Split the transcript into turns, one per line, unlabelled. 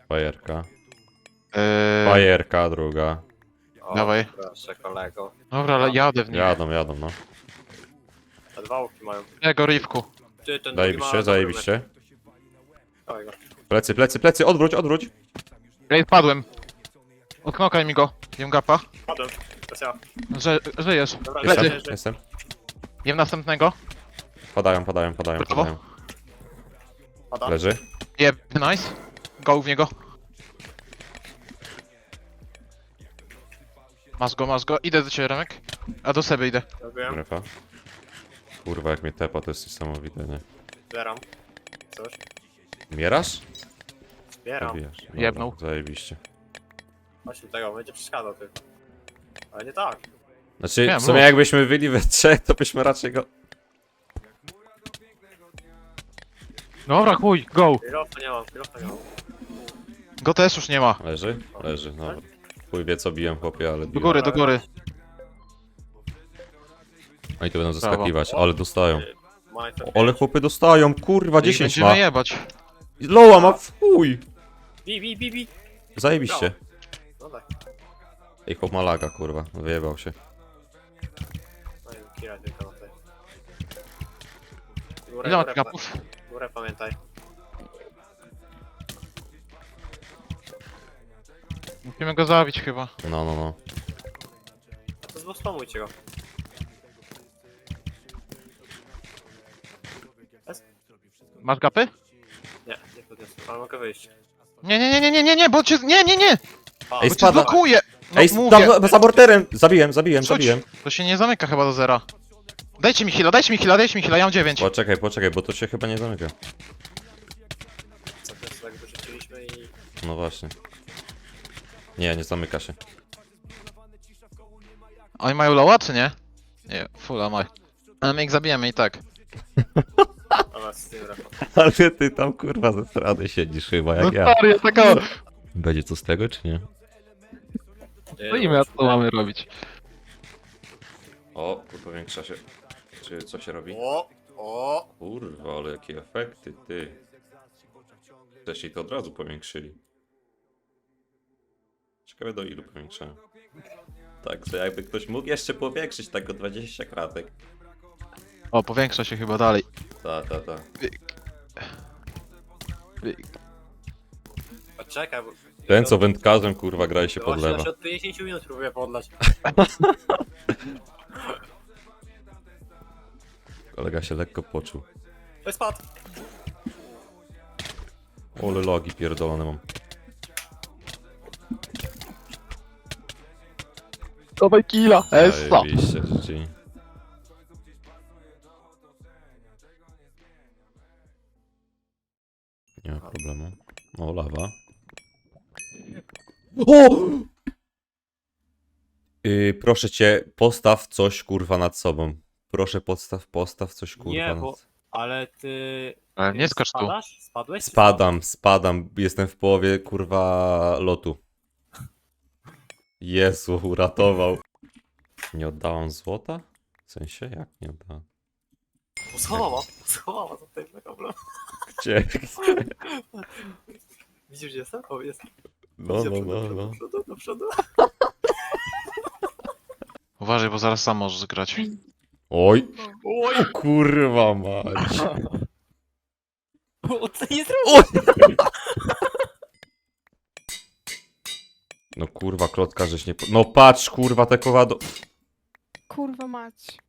Fajerka.
Eee,
Fajerka druga.
O,
Dawaj.
proszę kolego.
dobra, ale jadę w nich.
Jadą, no.
Te dwa łuki mają.
Tego rifku.
Ty, ten drugi ma
Zajebiście,
dobry
zajebiście.
mecz. Dawaj go.
Plecy, odwróć.
Ej, padłem. Odknokaj mi go. Jem gapa.
Padłem. To jest ja.
Żyjesz.
Dobra,
Plecy.
Jestem.
Jem następnego.
Padają.
Brawo.
Pada.
Leży.
Jeb, nice. Go w niego. Masz go. Idę do ciebie, Remek. A do siebie idę.
Robiłem.
Grefa. Kurwa, jak mnie tepa, to jest niesamowite, nie?
Zbieram. Coś.
Mierasz?
Zbieram.
Zabijasz. Dobra,
Jebnął.
Zajebiście.
Właśnie tego, będzie przeszkadzał ty. Ale nie tak.
Znaczy,
Nie,
w sumie
mów.
jakbyśmy byli we trzech, to byśmy raczej go...
Dobra, chuj, go.
Kilofa nie mam.
Go też już nie ma.
Leży, dobra. Chuj wie co biłem, chłopie, ale
Do
biłem.
góry, do góry.
Oni to będą
Brawo.
zaskakiwać, ale dostają.
Majfer.
Ale chłopy dostają, kurwa,
I
10
będziemy
ma.
jebać.
Loa ma w chuj.
Bi.
Zajebiście.
No tak.
Ej, chłop ma laga, kurwa, wyjebał się.
No i kira tylko na tej.
Ile ma kapów?
Górę pamiętaj.
Musimy go zabić chyba.
No.
A to zbostomujcie go.
Masz gapy?
Nie podniosę, ale mogę wyjść.
Nie, bo cię... Nie!
A,
Ej,
Bo cię
spada.
zblokuje! No
Ej,
mówię.
za morterem! Zabiłem.
Rzuć. To się nie zamyka chyba do zera. Dajcie mi heala, ja mam 9.
Poczekaj, bo to się chyba nie zamyka.
co też tak wyrzuciliśmy i...
No właśnie. Nie zamyka się.
Oni mają lowa, czy nie? Nie, fulla maj. Ale my ich zabijemy i tak.
Dobra, z tym refem.
Ale ty tam kurwa ze strony siedzisz chyba, jak ja.
stary, taka...
Będzie co z tego, czy nie?
No i my co mamy robić?
O, tu powiększa się. Czy co się robi?
O!
Kurwa, ale jakie efekty, ty. Wcześniej to od razu powiększyli. Ciekawe do ilu powiększają. Także jakby ktoś mógł jeszcze powiększyć tak o 20 kratek.
O, powiększa się chyba dalej.
Ta.
Poczekaj, bo...
Ten co wędkarzem kurwa gra i się
Właśnie
podlewa.
ja się od 50 minut próbuję podlać.
Kolega się lekko poczuł.
To jest pad!
Ole logi pierdolone mam.
Dawaj killa,
Zajebiście, GG. Nie ma problemu. O, lawa. O! Proszę cię, postaw coś kurwa nad sobą. Proszę postaw coś kurwa
Nie,
nad...
bo... Ale ty...
Ale nie skacz tu.
Spadasz? Spadłeś?
Spadam. Jestem w połowie kurwa lotu. Jezu, uratował. Nie oddałam złota? W sensie? Jak nie oddałam?
Schowała za tym problem.
Gdzie?
Widzisz gdzie jestem? O, jest.
No.
Do przodu.
Uważaj, bo zaraz sam możesz grać.
Oj,
Oj!
kurwa mać.
O, co nie zrobił?
No kurwa, klotka żeś nie... No patrz kurwa te kowado...
Kurwa mać.